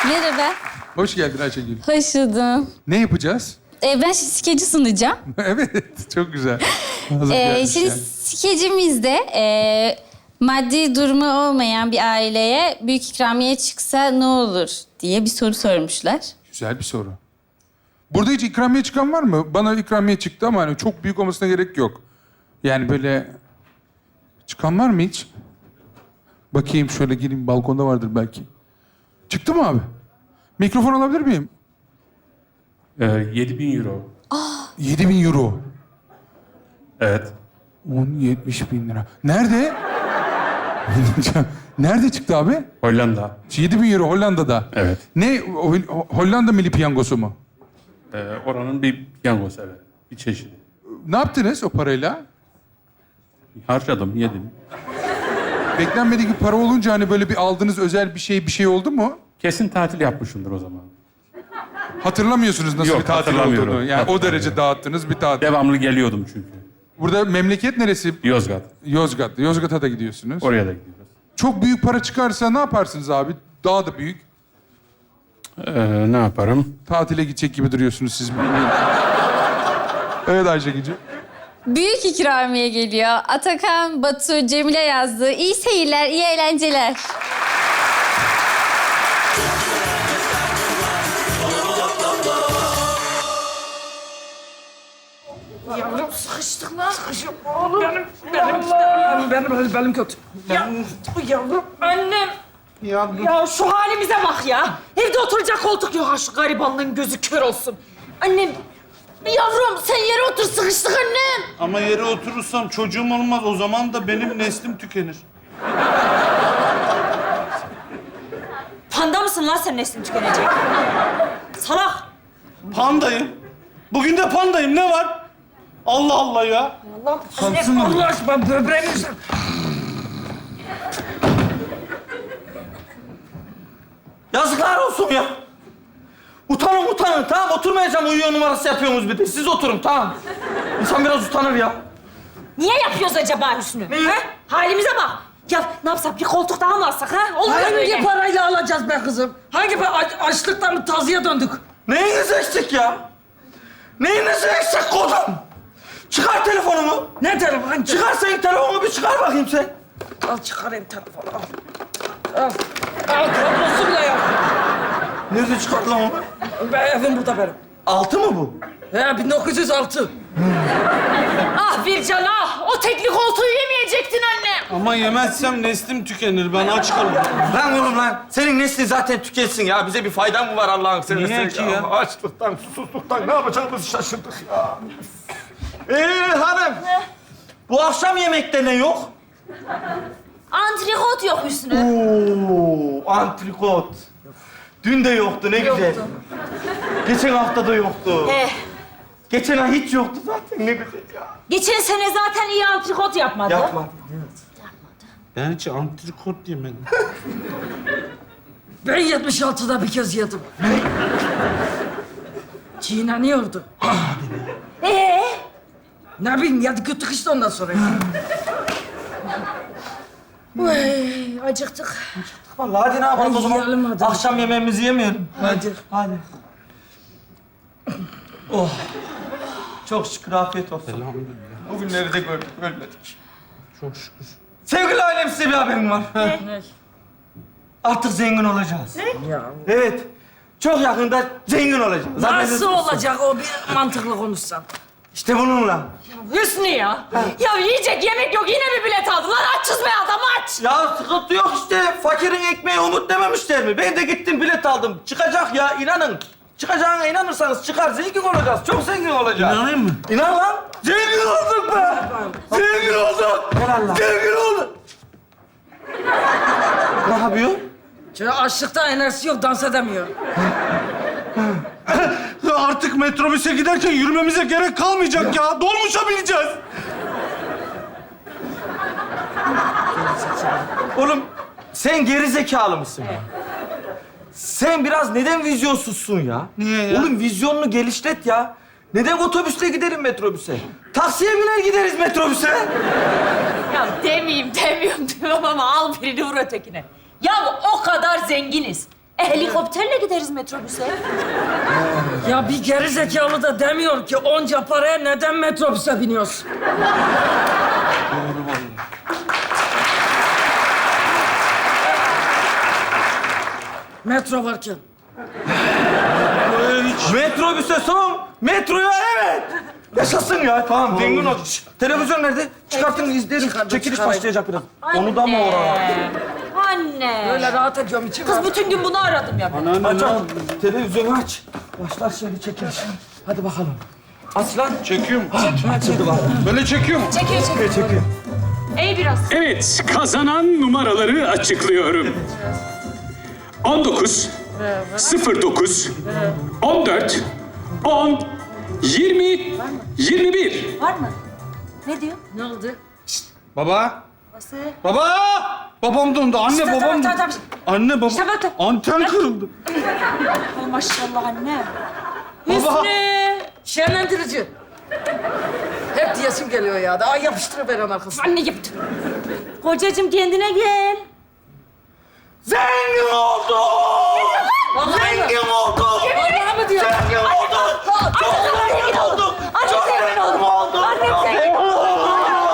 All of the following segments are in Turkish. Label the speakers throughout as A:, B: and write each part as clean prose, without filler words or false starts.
A: Merhaba.
B: Hoş geldin Ayşegül.
A: Hoş buldum.
B: Ne yapacağız?
A: Ben şimdi skeci sunacağım.
B: Evet, çok güzel. Hazır gelmiş
A: Şimdi
B: yani.
A: skecimizde maddi durumu olmayan bir aileye büyük ikramiye çıksa ne olur diye bir soru sormuşlar.
B: Güzel bir soru. Burada hiç ikramiye çıkan var mı? Bana ikramiye çıktı ama hani çok büyük olmasına gerek yok. Yani böyle... Çıkan var mı hiç? Bakayım şöyle gireyim, balkonda vardır belki. Çıktı mı abi? Mikrofon alabilir miyim?
C: 7.000 euro.
B: 7.000 euro.
C: Evet.
B: 70 bin lira. Nerede? Nerede çıktı abi?
C: Hollanda.
B: 7.000 euro Hollanda'da.
C: Evet.
B: Ne? Hollanda Milli Piyangosu mu?
C: Oranın bir piyangosu, evet. Bir çeşidi.
B: Ne yaptınız o parayla?
C: Harcadım, yedim.
B: Beklenmedik bir para olunca hani böyle bir aldığınız özel bir şey oldu mu?
C: Kesin tatil yapmışımdır o zaman.
B: Hatırlamıyorsunuz nasıl
C: Yok,
B: bir tatil
C: hatırlamıyorum.
B: olduğunu. Yani o
C: Hatırlamıyorum.
B: derece dağıttınız bir tatil.
C: Devamlı geliyordum çünkü.
B: Burada memleket neresi?
C: Yozgat.
B: Yozgat. Yozgat'a da gidiyorsunuz.
C: Oraya da gidiyoruz.
B: Çok büyük para çıkarsa ne yaparsınız abi? Daha da büyük.
C: Ne yaparım?
B: Tatile gidecek gibi duruyorsunuz siz. Evet Ayşegül'cüğüm.
A: Büyük ikramiye geliyor. Atakan, Batu, Cemile yazdı. İyi seyirler, iyi eğlenceler.
D: Yavrum sıkıştık lan. Sıkışık oğlum. Benim kötü. Yavrum. Annem.
E: Yavrum.
D: Ya şu halimize bak ya. Evde oturacak koltuk yok. Ha şu garibanlığın gözü kör olsun. Annem. Yavrum sen yere otur, sıkıştık annem.
E: Ama yere oturursam çocuğum olmaz. O zaman da benim neslim tükenir.
D: Panda mısın lan sen neslin tükenecek? Salak.
E: Pandayım. Bugün de pandayım. Ne var? Allah Allah ya.
D: Allah
E: Kalsın mı?
D: Allah aşkına böbreğimi
E: Yazıklar olsun ya. Utanın utanın. Tamam oturmayacağım, uyuyor numarası yapıyorsunuz bir de. Siz oturun tamam. İnsan biraz utanır ya.
D: Niye yapıyoruz acaba Hüsnü?
E: Niye?
D: Ha? Halimize bak. Ya ne yapsak, bir koltuk daha mı alsak ha? Olur mu böyle?
F: Hangi parayla alacağız be kızım? Hangi para? Açlıktan mı tazıya döndük?
E: Neyiniz eksik ya? Neyiniz eksik kodum? Çıkar telefonumu.
F: Ne telefon? Hangi telefon?
E: Çıkar sen telefonumu bir çıkar bakayım sen.
F: Al çıkarayım telefonu al. Al. Al kablosu bile yok.
E: Nerede çıkart lan onu?
F: Evim burada benim.
E: Altı mı bu?
F: He 1906.
D: Ah Bircan ah! O tekli koltuğu yemeyecektin anne.
E: Ama yemezsem neslim tükenir. Ben aç kalırım. Lan oğlum lan. Senin neslin zaten tükensin ya. Bize bir faydan mı var Allah'ın seversen?
G: Niye ki ya?
E: Açlıktan, susuzluktan ne yapacağımızı şaşırdık ya. Hanım. Bu akşam yemekte ne yok?
D: Antrikot yok Hüsnü.
E: Oo, antrikot. Dün de yoktu ne güzel. Geçen hafta da yoktu. Geçen ay hiç yoktu zaten ne güzel ya.
D: Geçen sene zaten iyi antrikot yapmadı.
E: Yapma.
G: Ben hiç antrikot yemedim.
F: Ben 76'da bir kez yedim. Çiğneniyordu. Ne bileyim yedik yuttuk işte ondan sonra.
D: Ay, acıktık.
E: Vallahi hadi ne yapalım o
F: Hadi yiyelim
E: zaman?
F: hadi.
E: Akşam yemeğimizi yemeyelim.
F: Hadi.
E: Hadi. Oh. Çok şükür afiyet olsun. Bugünleri de gördük, ölmedik.
G: Çok şükür.
E: Sevgili ailem size bir haberim var.
F: Ne?
E: Artık zengin olacağız.
F: Ya.
E: Evet. Çok yakında zengin olacağız.
F: Nasıl olacak o bir mantıklı konuşsan?
E: İşte bununla.
D: Hüsnü ya. Ya yiyecek yemek yok. Yine mi bilet aldılar? Açız be adam aç.
E: Ya sıkıntı yok işte. Fakirin ekmeği umut dememişler mi? Ben de gittim bilet aldım. Çıkacak ya inanın. Çıkacağına inanırsanız çıkar. Zengin olacağız. Çok zengin olacağız.
G: İnanayım mı?
E: İnan lan. Zengin olduk be. Zengin olduk. Zengin olduk. Ne yapıyor?
F: Çünkü açlıkta enerjisi yok, dans edemiyor.
G: Artık metrobüse giderken yürümemize gerek kalmayacak ya. Dolmuşa bineceğiz.
E: Oğlum sen geri zekalı mısın ya? Sen biraz neden vizyonsuzsun ya?
G: Niye ya?
E: Oğlum vizyonunu geliştiret ya. Neden otobüsle gidelim metrobüse? Taksiye biner gideriz metrobüse.
D: Ya demiyorum diyorum ama al birini vur ötekine. Ya o kadar zenginiz. Helikopterle gideriz metrobüse.
F: Ya bir geri zekalı da demiyor ki onca paraya neden metrobüse biniyorsun? Metro varken.
E: Metrobüse son, metroya evet. Yaşasın ya. Tamam, zengin ol. Şşt, televizyon nerede? Çıkartın, izleyelim. Çekiliş başlayacak biraz. Onu da mı oraya?
D: Anne.
F: Böyle rahat ediyorum içim.
D: Kız bütün gün bunu aradım ya ben.
E: Aç, aç. Televizyonu aç. Başlar şimdi çekiliş. Hadi bakalım. Aslan.
B: Çekiyor mu?
E: Hadi bakalım.
B: Böyle çekiyor mu?
E: Çekiyor.
D: İyi biraz.
H: Evet, kazanan numaraları açıklıyorum. 19, 09, 14, 10, 20, 21.
D: Var mı? Ne diyor?
F: Ne oldu?
G: Baba.
D: Nasıl?
G: Baba! Babam dondu. Anne
D: İşte
G: babam
D: tamam,
G: dondu.
D: tamam.
G: Anne baba.
D: İşte bak.
G: Anten kırıldı.
D: Ay maşallah anne.
G: Baba.
F: Hüsnü! Şenlendirici. Hep diyesim geliyor ya. Daha yapıştırıver hemen arkasına.
D: Anne yaptım. Kocacığım kendine gel.
E: Zengin oldu! Zengin oldu!
F: Vallahi mı diyor?
E: Zengin oldu! Çok zengin olduk! Çok zengin olduk!
D: Annem zengin oldu.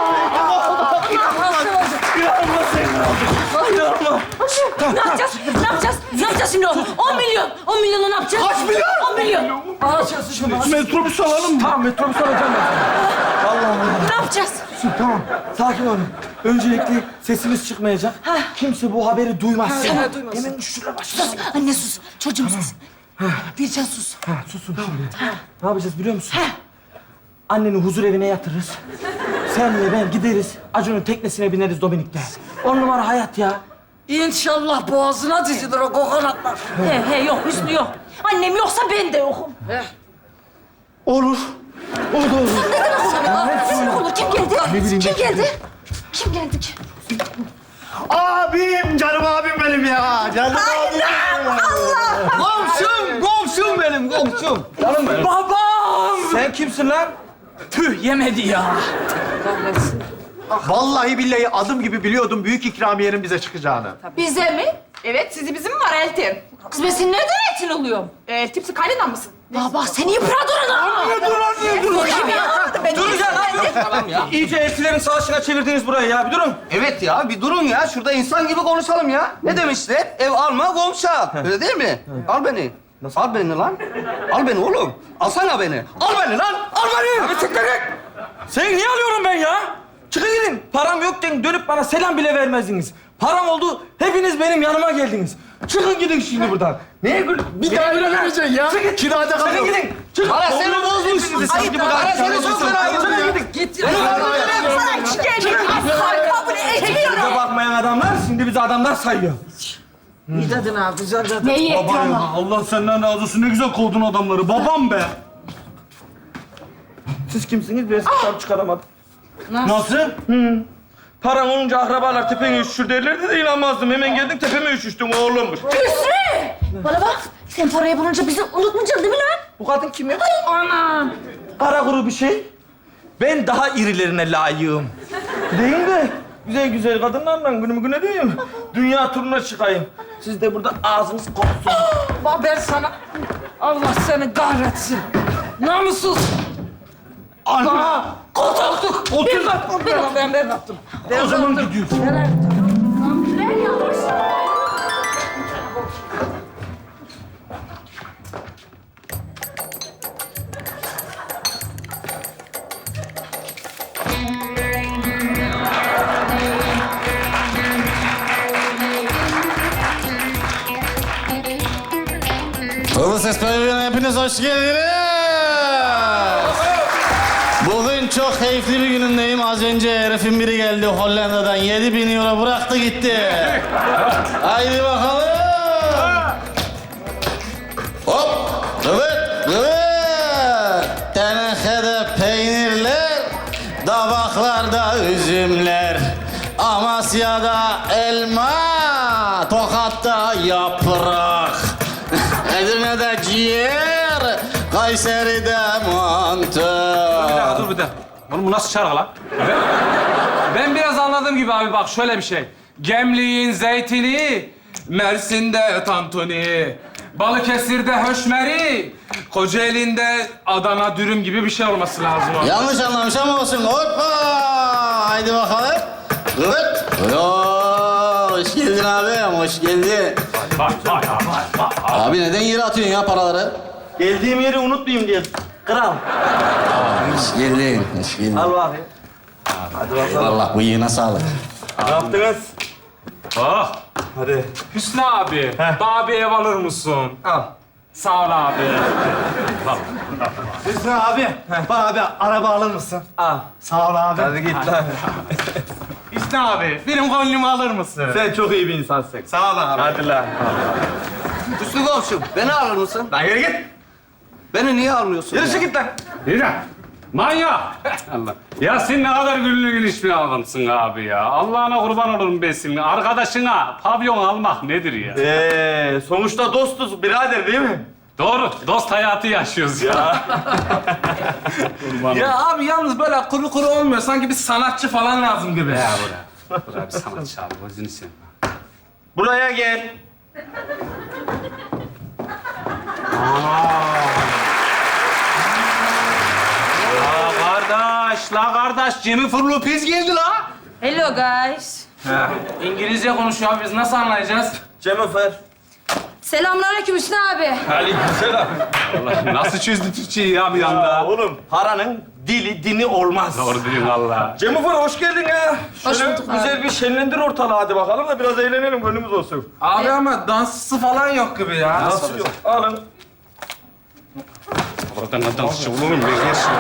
E: İnanılmaz zengin olduk! İnanılmaz!
D: Ne yapacağız? Ne yapacağız? Ne yapacağız şimdi? 10 milyon. 10 milyonu ne yapacağız?
E: Kaç milyon?
D: 10 milyon.
F: Ağaçası şunu.
G: Metrobüs alalım mı?
E: Tamam, metrobüs alacağım ben. Allah Allah.
D: Ne yapacağız?
E: Tamam, sakin olun. Öncelikle sesimiz çıkmayacak. Kimse bu haberi duymaz.
F: Tamam, duymasın.
E: Hemen şuraya başlayalım.
D: Anne sus. Çocuğum sus. Bircan sus.
E: Susun şimdi. Ne yapacağız biliyor musun? Anneni huzur evine yatırırız. Senle ben gideriz. Acun'un teknesine bineriz Dominik'te. 10 numara hayat ya.
F: İnşallah boğazına dizilir o kokonatlar.
D: He yok Hüsnü yok. Annem yoksa ben de yokum.
E: Olur. O da olur.
D: Neden olur? Kim geldi? Kim geldi? Kim geldi ki?
G: Abim, canım abim benim ya. Canım abim.
E: Komşum benim, komşum. Canım benim.
F: Babam!
E: Sen kimsin lan?
F: Tüh yemedi ya.
G: Vallahi billahi adım gibi biliyordum büyük ikramiyenin bize çıkacağını.
I: Bize mi? Evet, sizi bizim mi var Eltim?
D: Kız ben senin nereden etin oluyorum?
I: Eltimsi kaynadan mısın?
D: Ya bak seni yıpradırın
E: Dur ya. İyice eltilerin savaşına çevirdiniz burayı ya. Bir durun.
J: Evet ya, bir durun ya. Şurada insan gibi konuşalım ya. Ne demişler? Ev alma, komşu al. Öyle değil mi? Al beni. Al beni lan. Al beni oğlum. Alsana beni. Al beni lan. Al beni.
E: Abi tıkladık. Seni niye alıyorum ben ya? Çıkın gidin. Param yokken dönüp bana selam bile vermezdiniz. Param oldu, hepiniz benim yanıma geldiniz. Çıkın gidin şimdi buradan. Neye gül?
G: Bir daha öyle vereceksin ya.
E: Çıkın.
G: Kirada
E: Çıkın
G: kalıyor.
E: gidin. Çıkın.
J: Para seni bozmuş.
E: Sanki bu
J: Para seni çok fena
E: Çıkın
J: yapıyor.
E: gidin.
F: Git.
E: Bize bakmayan adamlar şimdi bizi adamlar sayıyor.
F: İyi dedin ha, güzel dedin.
D: Neyi
G: Baba ya, Allah senden razı olsun. Ne güzel kovdun adamları. Babam be.
E: Siz kimsiniz? Ben sizi tam çıkaramadım.
G: Nasıl?
E: Paran olunca akrabalar tepene üşüşür derlerdi de inanmazdım. Hemen geldin tepeme üşüştün oğlummuş.
D: Bana bak. Sen parayı bulunca bizi unutmayacaksın değil mi lan?
E: Bu kadın kim ya? Anam. Kara kuru bir şey. Ben daha irilerine layığım. Değil de güzel güzel kadınlarla günümü güne diyeyim. Dünya turuna çıkayım. Siz de burada ağzınız kopsun.
F: Bak ben sana... Allah seni kahretsin. Namussuz.
E: Ana!
F: Koltuk.
E: Otur.
F: Ben yaptım.
G: O zaman gidiyorsun.
K: Hızlı Ses Programı'na hepiniz hoş geldiniz. Bugün çok keyifli bir günündeyim. Az önce herifin biri geldi Hollanda'dan 7.000 euro bıraktı gitti. Haydi bakalım. Hop. Evet. Evet. Tenekede peynirler, tabaklarda üzümler. Amasya'da elma, Tokat'ta yaprak. Edirne'de ciğer, Kayseri'de mantı.
L: Dur bir de. Oğlum bu nasıl şarkı lan? Ben biraz anladığım gibi abi bak şöyle bir şey. Gemliğin zeytini, Mersin'de tantuni, Balıkesir'de höşmeri, Kocaeli'nde Adana dürüm gibi bir şey olması lazım.
K: Yanlış anlamış ama olsun. Hoppa! Haydi bakalım. Evet. Oo, hoş geldin abi, hoş geldin. Abi neden yere atıyorsun ya paraları?
E: Geldiğim yeri unutmayayım diye. Kral.
K: Hoş geldin, hoş geldin.
E: Al bakayım. Hadi bakalım.
K: Allah bıyığına sağlık.
E: Ne yaptınız?
L: Oh,
E: Hadi.
L: Hüsnü abi, bana bir ev alır mısın?
E: Al.
L: Sağ ol abi.
G: Hüsnü abi, bana bir araba alır mısın?
E: Al.
G: Sağ ol abi.
E: Hadi git lan.
L: Hüsnü abi, benim gönlümü alır mısın?
E: Sen çok iyi bir insansın.
L: Sağ ol abi.
E: Hadi lan.
J: Hüsnü komşum, beni alır mısın?
E: Lan yürü git.
J: Beni niye almıyorsun
E: Yürü
J: ya?
E: git lan.
C: Yürü. Manyak. Allah. Ya sen ne kadar güllü güliş bir adamsın abi ya. Allah'ına kurban olurum ben senin. Arkadaşına pavyon almak nedir ya?
E: Sonuçta dostuz birader değil mi?
C: Doğru. Dost hayatı yaşıyoruz ya.
L: Ya abi yalnız böyle kuru kuru olmuyor. Sanki bir sanatçı falan lazım gibi.
C: Ya buraya bir sanatçı abi. Gözünü seveyim.
E: Buraya gel.
L: La kardeş, Jennifer Lopez geldi la.
A: Hello guys.
L: İngilizce konuşuyor abi, biz nasıl anlayacağız?
E: Jennifer.
A: Selamünaleyküm Hüsnü abi.
E: Aleykümselam.
C: Allah nasıl çözdü Türkçeyi ya bir anda?
E: Oğlum paranın dini olmaz.
C: Doğru diyorsun Allah.
E: Jennifer hoş geldin ya.
A: Hoş
E: Şöyle
A: bulduk abi.
E: güzel bir şenlendir ortalığı hadi bakalım da biraz eğlenelim gönlümüz olsun.
L: Abi ama dansçısı falan yok gibi ya.
E: Nasıl yok? Alın.
C: Oradan ne dansçı olur mu?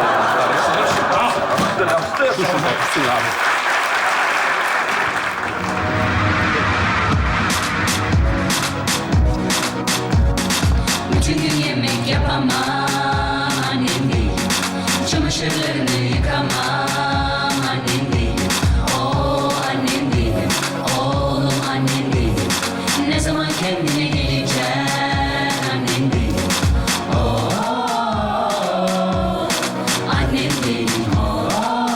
M: Bütün gün yemek yapamam annem değil. Çamaşırlarını yıkamam annem değil. O annem değil. Oğlum annem değil. Ne zaman kendine geleceksin annem değil. O annem değil. O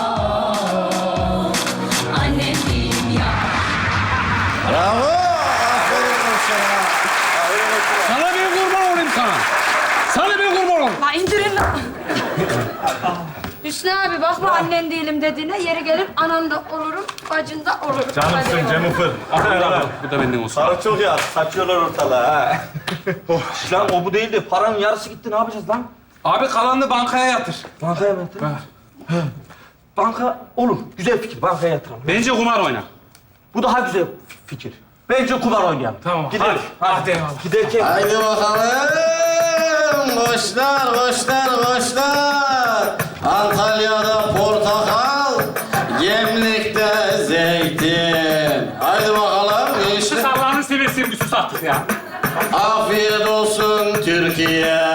M: annem değil ya.
K: Bravo! Aferin sana.
C: Sana bir kurban olayım sana. Sana bir kurban olayım.
I: La indirin lan.
A: Hüsnü abi bakma annen değilim dediğine yeri gelir anan da olurum, bacın da olurum.
E: Canımsın Jennifer.
C: Bu da benden olsun.
E: Sana çok ya. Saçıyorlar ortalığı ha. Lan o bu değildi. Paranın yarısı gitti. Ne yapacağız lan?
L: Abi kalanını bankaya yatır.
E: Bankaya mı yatıralım? Banka olur. Güzel fikir. Bankaya yatıralım.
C: Bence kumar oyna.
E: Bu daha güzel fikir. Bence kumar oynayalım.
L: Tamam,
E: Gidelim.
L: hadi eyvallah.
E: Giderken...
K: Haydi bakalım. Koçlar, koçlar, koçlar. Antalya'da portakal, Gemlik'te zeytin. Haydi bakalım
C: Şu
K: gençler.
C: Allah'ını seversen bir sus artık ya.
K: Afiyet olsun Türkiye.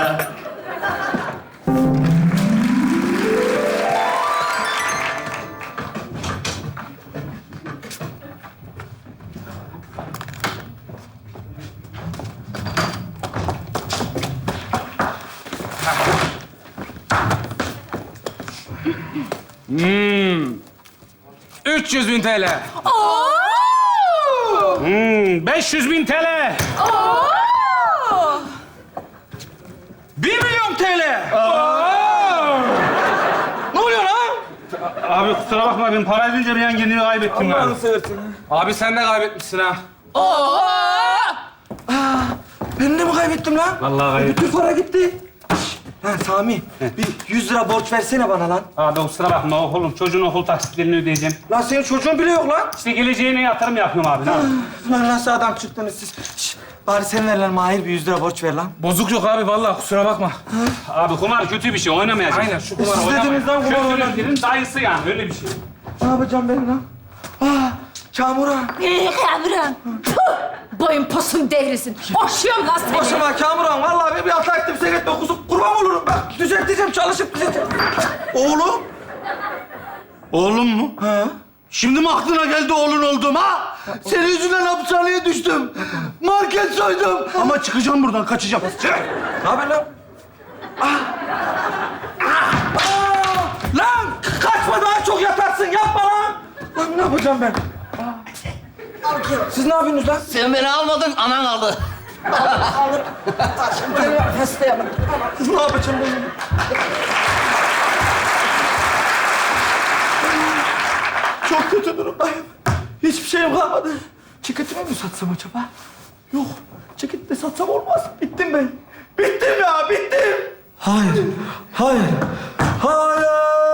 L: Hmm. 300.000 TL.
C: 500.000 TL.
L: 1 milyon TL. Ne oluyor lan?
C: Abi kusura bakma ben para edince bir an kendimi kaybettim
E: Allah'ını
C: yani.
E: seversen.
L: Abi sen de kaybetmişsin ha.
E: Ben de mi kaybettim lan?
C: Vallahi kaybettim.
E: Bütün para gitti. Ha Sami, bir 100 lira borç versene bana lan.
C: Abi kusura bakma oğlum çocuğun okul taksitlerini ödeyeceğim.
E: Lan senin çocuğun bile yok lan.
C: İşte geleceğine yatırım yapıyorum abi. Ne yapayım?
E: Lan nasıl adam çıktınız siz? Bari sen ver lan Mahir bir 100 lira borç ver lan.
L: Bozuk yok abi vallahi kusura bakma.
C: Abi kumar kötü bir şey oynamayacağız.
L: Aynen şu kumarı
E: Siz
L: oynamayın.
E: dediniz lan kumar oynamayın.
C: Kötülüklerin dayısı yani öyle bir şey.
E: Ne yapacağım ben lan? Kamuran.
D: Kamuran. Boyun posun devrilsin. Boşuyorum lan seni.
E: Boşuma Kamuran. Vallahi bir hata ettim. Sen etme kuzum. Kurban olurum. Bak düzelteceğim. Çalışıp düzelteceğim. Oğlum.
G: Oğlum mu?
E: Ha?
G: Şimdi mi aklına geldi oğlun oldum ha? Senin yüzünden hapishaneye düştüm. Market soydum. Ama çıkacağım buradan, kaçacağım.
E: Ne haber lan? Lan kaçma daha çok yatarsın. Yapma lan. Lan ne yapacağım ben? Siz ne yapıyorsunuz lan?
J: Sen beni almadın, anan aldı.
F: Alır. Şimdi hastayalım.
E: Ne yapacağım ben? Çok kötü durumdayım. Hiçbir şeyim kalmadı. Ceketimi mi satsam acaba? Yok, ceket de satsam olmaz. Bittim ben. Bittim ya, bittim. Hayır, hayır, hayır.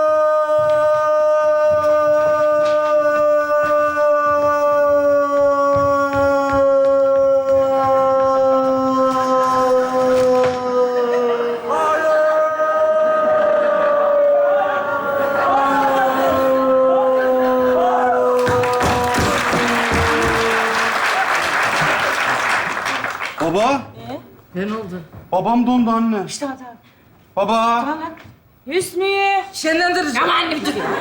G: Baba.
F: Ne oldu?
G: Babam dondu anne.
D: İşte hadi.
G: Baba.
D: Hüsnü.
F: Şenlendirici.
D: Ama anne bir dur ya.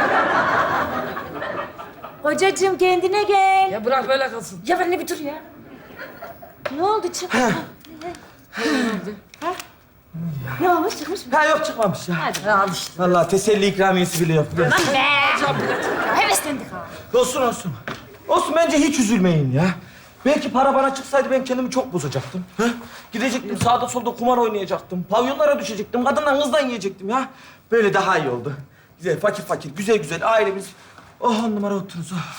D: Kocacığım kendine gel.
F: Ya bırak böyle kalsın.
D: Ya anne bir dur ya. Ne oldu çık? Ne olmuş çıkmış mı?
E: Ha yok çıkmamış ya.
D: Hadi.
F: Al işte.
E: Vallahi teselli ikramiyesi bile yok.
D: Lan be. Heveslendik ha.
E: Olsun olsun. Olsun bence hiç üzülmeyin ya. Belki para bana çıksaydı ben kendimi çok bozacaktım. Ha? Gidecektim sağda solda kumar oynayacaktım. Pavyonlara düşecektim. Kadından kızdan yiyecektim ya. Böyle daha iyi oldu. Güzel fakir fakir güzel güzel ailemiz. Oh 10 numara otururuz. Oh.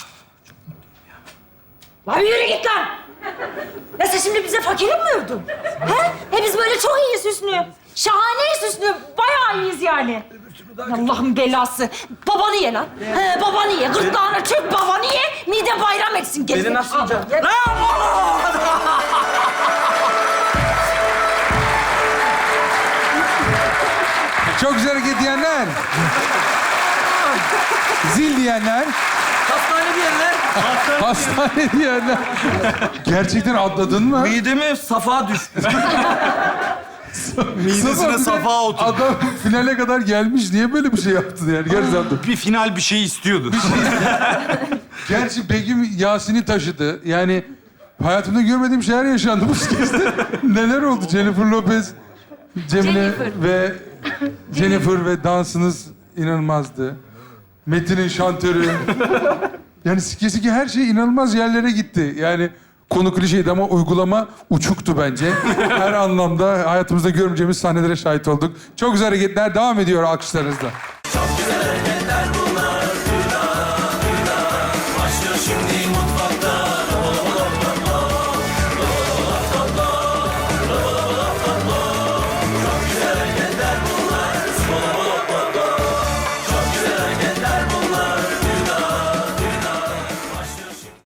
D: Lan yürü git lan. Ya sen şimdi bize fakirim mi övdün? He? Biz böyle çok iyiyiz Hüsnü. Şahaneyiz Hüsnü. Bayağı iyiyiz yani. Allah'ın belası. Babanı ye lan. He, babanı ye. Gırtlağına çök babanı ye. Mide bayram etsin. Gel.
E: Beni nasıl yiyeceksin?
B: Çok güzel hareket diyenler. Zil diyenler.
E: Hastane diyenler.
B: Hastane diyenler. Gerçekten atladın mı?
E: Mideme safa düştü.
G: Midesine safa oturdu.
B: Adam finale kadar gelmiş. Niye böyle bir şey yaptın yani? Gerçekten.
G: Bir final bir şey istiyordu.
B: Gerçi Begüm Yasin'i taşıdı. Yani hayatımda görmediğim şeyler yaşandı bu skizde. Neler oldu? Jennifer Lopez, Cemile ve Jennifer ve dansınız inanılmazdı. Metin'in şantörü. Yani skizindeki her şey inanılmaz yerlere gitti. Yani konu klişeydi ama uygulama uçuktu bence. Her anlamda hayatımızda görmeyeceğimiz sahnelere şahit olduk. Çok güzel hareketler devam ediyor alkışlarınızla.